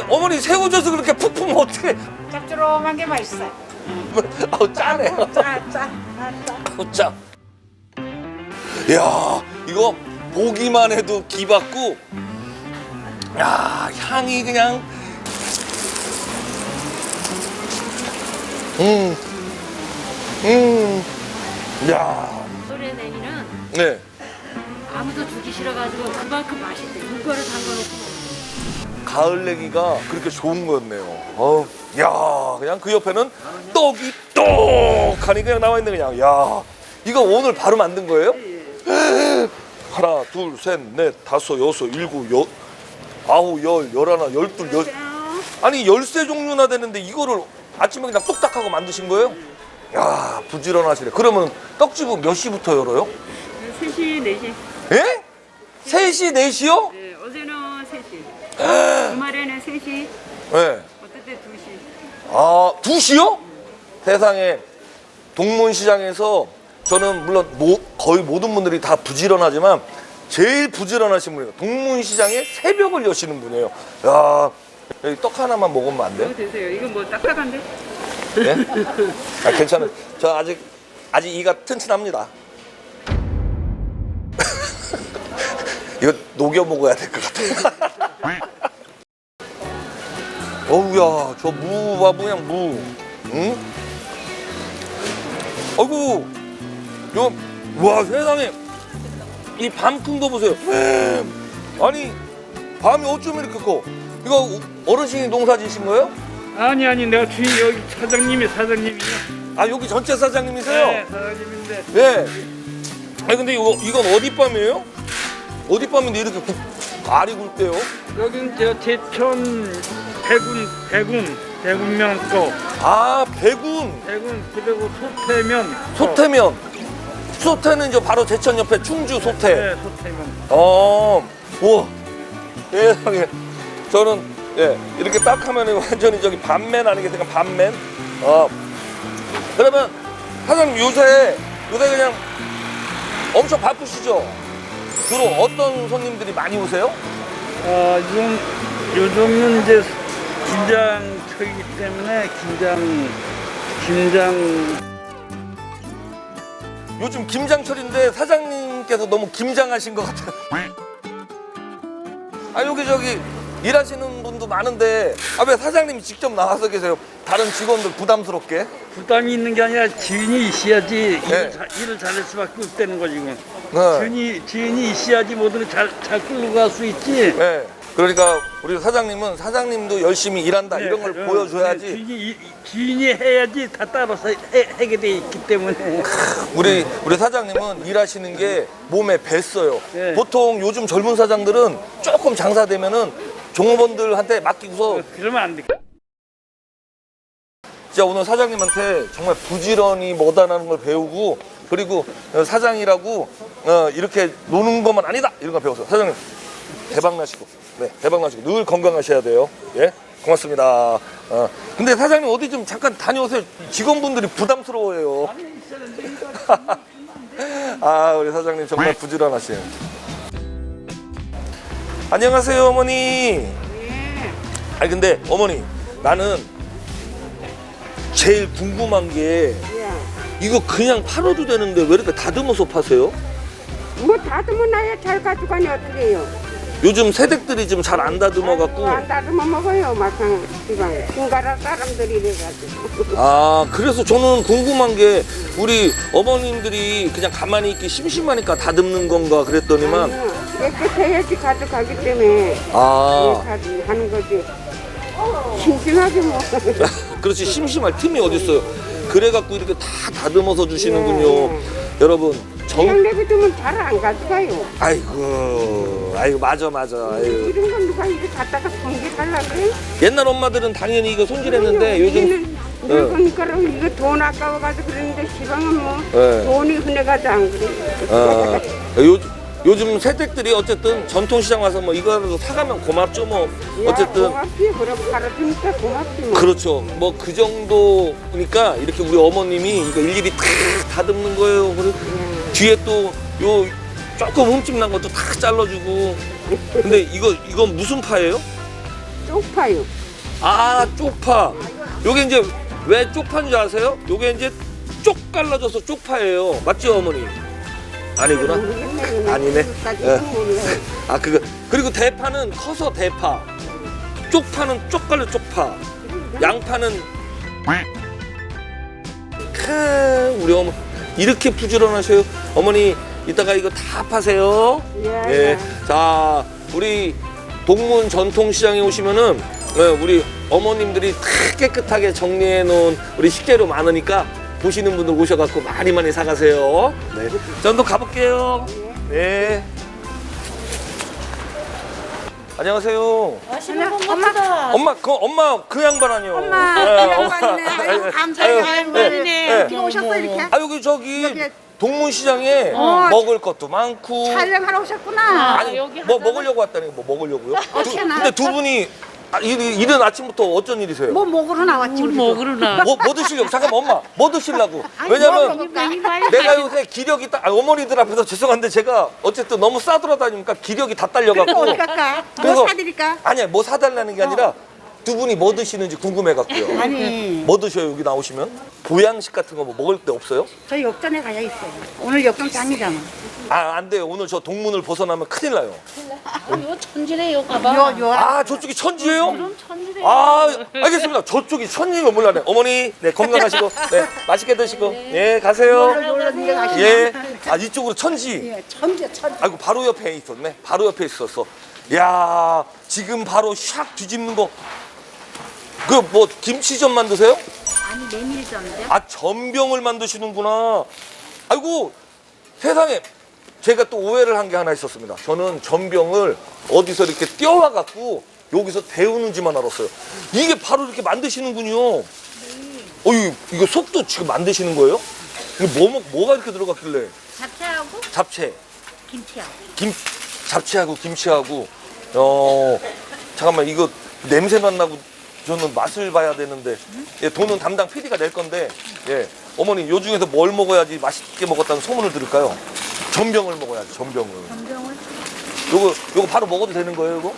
어머니 새우젓을 그렇게 푹 푸면 어떻게? 짭조름한 게 맛있어. 아우 짜네. 짜. 아우 짜. 이야 이거 보기만 해도 기받고. 야 향이 그냥. 야. 소래냉이는 네. 아무도 주기 싫어가지고 그만큼 맛있대. 이거를 담가놓고. 가을 내기가 그렇게 좋은 거였네요. 야, 그냥 그 옆에는 떡이 떡하니 그냥 나와 있는 그냥. 야, 이거 오늘 바로 만든 거예요? 하나, 둘, 셋, 넷, 다섯, 여섯, 일곱, 아홉, 열, 열하나, 열둘, 아니 13 종류나 되는데 이거를 아침에 그냥 뚝딱 하고 만드신 거예요? 야, 부지런하시네. 그러면 떡집은 몇 시부터 열어요? 3시, 4시. 예? 3시, 4시요? 네, 어제는 3시. 주말에는 3시. 네. 어떨 때 2시. 아, 2시요? 세상에 동문시장에서 저는 물론 거의 모든 분들이 다 부지런하지만 제일 부지런하신 분이에요. 동문시장에 새벽을 여시는 분이에요. 야, 여기 떡 하나만 먹으면 안 돼요? 이거 드세요. 이건 뭐 딱딱한데? 네? 아, 괜찮아요. 저 아직 이가 튼튼합니다. 이거 녹여 먹어야 될 것 같아요. 어우야, 저 무 봐, 그냥 무. 응? 아이고, 와, 세상에. 이 밤 큰 거 보세요. 아니, 밤이 어쩜 이렇게 커? 이거 어르신이 농사 지신 거예요? 아니 내가 주인 여기 사장님이요. 아, 여기 전체 사장님이세요? 네 사장님인데 네. 아니, 근데 이건 어디 밤이에요? 어디 밤인데 이렇게 알이 굵대요? 여긴 저 제천 대군면 거 아, 배군. 그리고 소태면 소태면. 소태는 저 바로 제천 옆에 충주 소태. 네 소태면 우와. 세상에. 저는, 예, 이렇게 딱 하면 완전히 저기 반맨 아니겠습니까? 반맨. 그러면 사장님 요새 그냥 엄청 바쁘시죠? 주로 어떤 손님들이 많이 오세요? 요즘은 이제 김장철이기 때문에 김장 요즘 김장철인데 사장님께서 너무 김장하신 것 같아요. 아, 여기 저기 일하시는 분도 많은데 왜 사장님이 직접 나와서 계세요? 다른 직원들 부담스럽게? 부담이 있는 게 아니라 지인이 있어야지 네. 일을 잘할 수밖에 없다는 거지 지금. 네. 지인이 있어야지 뭐든 잘 끌고 갈 수 있지. 네. 그러니까 우리 사장님은 사장님도 열심히 일한다 이런 걸 보여줘야지. 지인이 해야지 다 따라서 하게 돼 있기 때문에. 우리 사장님은 일하시는 게 몸에 뱄어요. 네. 보통 요즘 젊은 사장들은 조금 장사되면은 종업원들한테 맡기고서 그러면 안 돼. 진짜 오늘 사장님한테 정말 부지런히 뭐다라는 걸 배우고 그리고 사장이라고 이렇게 노는 것만 아니다 이런 걸 배웠어요. 사장님 대박 나시고 늘 건강하셔야 돼요. 예, 고맙습니다. 근데 사장님 어디 좀 잠깐 다녀오세요. 직원분들이 부담스러워해요. 아, 우리 사장님 정말 부지런하시네요. 안녕하세요, 어머니. 아니 근데 어머니 나는 제일 궁금한 게 이거 그냥 팔아도 되는데 왜 이렇게 다듬어서 파세요? 뭐 다듬어놔야 잘 가져가니 어떻게 해요? 요즘 새댁들이 좀 잘 안 다듬어 갖고. 안 다듬어 먹어요. 막상 지방 중가라 사람들이 이래가지고. 아, 그래서 저는 궁금한 게 우리 어머님들이 그냥 가만히 있기 심심하니까 다듬는 건가 그랬더니만 깨끗해야지 가져가기 때문에 하는 거지. 심심하게 뭐. 그렇지 심심할 틈이 어딨어요. 그래갖고 이렇게 다 다듬어서 주시는군요. 여러분 그냥 내비두면 잘 안 가져가요. 아이고 맞아. 아이고. 이런 건 누가 이렇게 갖다가 손질하려고 그래? 옛날 엄마들은 당연히 이거 손질했는데 요즘 늙으니까 이거 돈 아까워가지고 그러는데 시방은 뭐 네. 돈이 흔해가지고 안 그래. 요즘 새댁들이 어쨌든 전통시장 와서 뭐 이거라도 사가면 고맙죠 뭐. 어쨌든 고맙지. 그럼 팔아주니까 고맙지 뭐. 그렇죠. 뭐 그 정도니까 이렇게 우리 어머님이 이거 일일이 다 다듬는 거예요. 그리고 뒤에 또 요 조금 흠집 난 것도 다 잘라주고. 근데 이건 무슨 파예요? 쪽파요. 아, 쪽파. 요게 이제 왜 쪽파인 줄 아세요? 요게 이제 쪽 갈라져서 쪽파예요. 맞죠, 어머니? 아니구나. 아니네. 예. 아, 그거. 그리고 대파는 커서 대파. 쪽파는 쪽갈려 쪽파. 양파는 우리 어머 이렇게 부지런하셔요. 어머니 이따가 이거 다 파세요. 예. 자, 우리 동문 전통시장에 오시면은 우리 어머님들이 다 깨끗하게 정리해 놓은 우리 식재료 많으니까 보시는 분들 오셔갖고 많이 사가세요. 네. 전도 가볼게요. 네. 안녕하세요. 맛있는 건 같다. 엄마 그 양반 아니요. 엄마, 그 양반이네. 아이고, 감사해요. 양반이네. 어떻게 오셨어, 이렇게? 아 여기 저기 동문시장에 먹을 것도 많고. 촬영하러 오셨구나. 아니 여기 뭐 먹으려고 왔다니 뭐 먹으려고요? 어떻게 근데 두 분이 이른 아침부터 어쩐 일이세요? 뭐 먹으러 나왔지, 물 우리도. 먹으러 나. 뭐 드시려고? 잠깐만 엄마 뭐 드시려고? 왜냐면 내가 요새 기력이 어머니들 앞에서 죄송한데 제가 어쨌든 너무 싸돌아다니니까 기력이 다 딸려갖고 어디 갈까? 그래서- 뭐 사드릴까? 아니야 뭐 사달라는 게 아니라 두 분이 뭐 드시는지 궁금해갖고요. 아니, 뭐 드셔요 여기 나오시면? 보양식 같은 거 뭐 먹을 데 없어요? 저희 역전에 가야 있어요. 오늘 역전장이잖아. 아 안 돼요 오늘 저 동문을 벗어나면 큰일 나요. 요 천지래요, 가봐. 아 저쪽이 천지예요? 그럼 천지래. 아 알겠습니다. 저쪽이 천지가 몰라네. 어머니 네 건강하시고 네 맛있게 드시고 예 가세요. 놀러 가시면. 예. 아 이쪽으로 천지. 예, 천재. 아이고 바로 옆에 있었네. 바로 옆에 있었어. 야 지금 바로 샥 뒤집는 거. 그 뭐 김치전 만드세요? 아니, 메밀전인데. 아 전병을 만드시는구나. 아이고 세상에 제가 또 오해를 한 게 하나 있었습니다. 저는 전병을 어디서 이렇게 띄워와 갖고 여기서 데우는지만 알았어요. 이게 바로 이렇게 만드시는군요. 어이 이거 속도 지금 만드시는 거예요? 이거 뭐가 이렇게 들어갔길래? 잡채하고 잡채, 김치하고. 잡채하고 김치하고. 잠깐만 이거 냄새만 나고 저는 맛을 봐야 되는데 예, 돈은 담당 PD가 낼 건데 예 어머니 요 중에서 뭘 먹어야지 맛있게 먹었다는 소문을 들을까요? 전병을 먹어야지 전병을. 전병을 요거 바로 먹어도 되는 거예요 이거?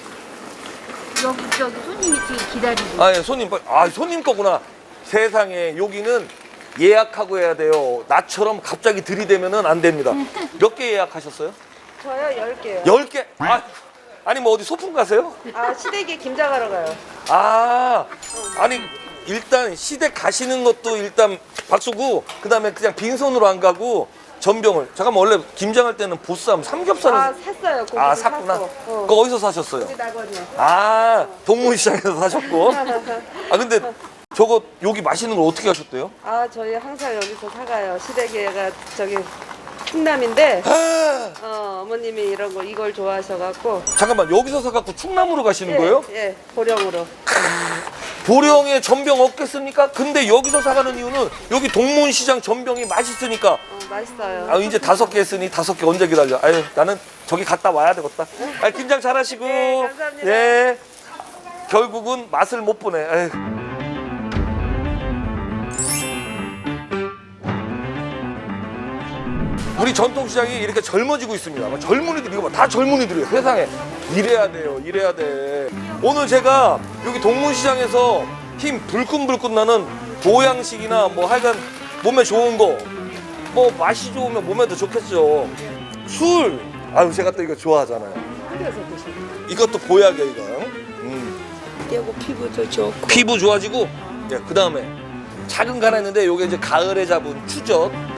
여기 저기 손님이 지금 기다리고. 아 예, 손님 거구나. 세상에 여기는 예약하고 해야 돼요. 나처럼 갑자기 들이대면은 안 됩니다. 몇 개 예약하셨어요? 저요 10개요. 10개? 아니 뭐 어디 소풍 가세요? 아 시댁에 김장하러 가요. 아 아니 일단 시댁 가시는 것도 일단 박수고 그다음에 그냥 빈손으로 안 가고 전병을 잠깐만 원래 김장할 때는 보쌈 삼겹살을 아 샀어요. 고기도 아 샀구나. 샀어. 그거 어디서 사셨어요? 우리 낙원이요. 아 동문시장에서 사셨고. 아 근데 저거 여기 맛있는 걸 어떻게 하셨대요? 아 저희 항상 여기서 사가요. 시댁에가 저기 충남인데 어머님이 이걸 좋아하셔갖고. 잠깐만 여기서 사갖고 충남으로 가시는 거예요? 예, 보령으로. 보령에 전병 없겠습니까? 근데 여기서 사가는 이유는 여기 동문시장 전병이 맛있으니까. 맛있어요. 아 이제 5개 했으니 5개 언제 기다려? 아유 나는 저기 갔다 와야 되겠다. 아 김장 잘하시고. 네, 감사합니다. 예. 결국은 맛을 못 보네. 아유. 우리 전통시장이 이렇게 젊어지고 있습니다. 젊은이들 이거 봐, 다 젊은이들이에요. 세상에 이래야 돼요, 이래야 돼. 오늘 제가 여기 동문시장에서 힘 불끈불끈 나는 보양식이나 뭐 하여간 몸에 좋은 거, 뭐 맛이 좋으면 몸에도 좋겠죠. 술, 아유 제가 또 이거 좋아하잖아요. 이것도 보약이에요, 이거. 그리고 피부도 좋고. 피부 좋아지고, 예, 그 다음에 작은 간 했는데 요게 이제 가을에 잡은 추젓.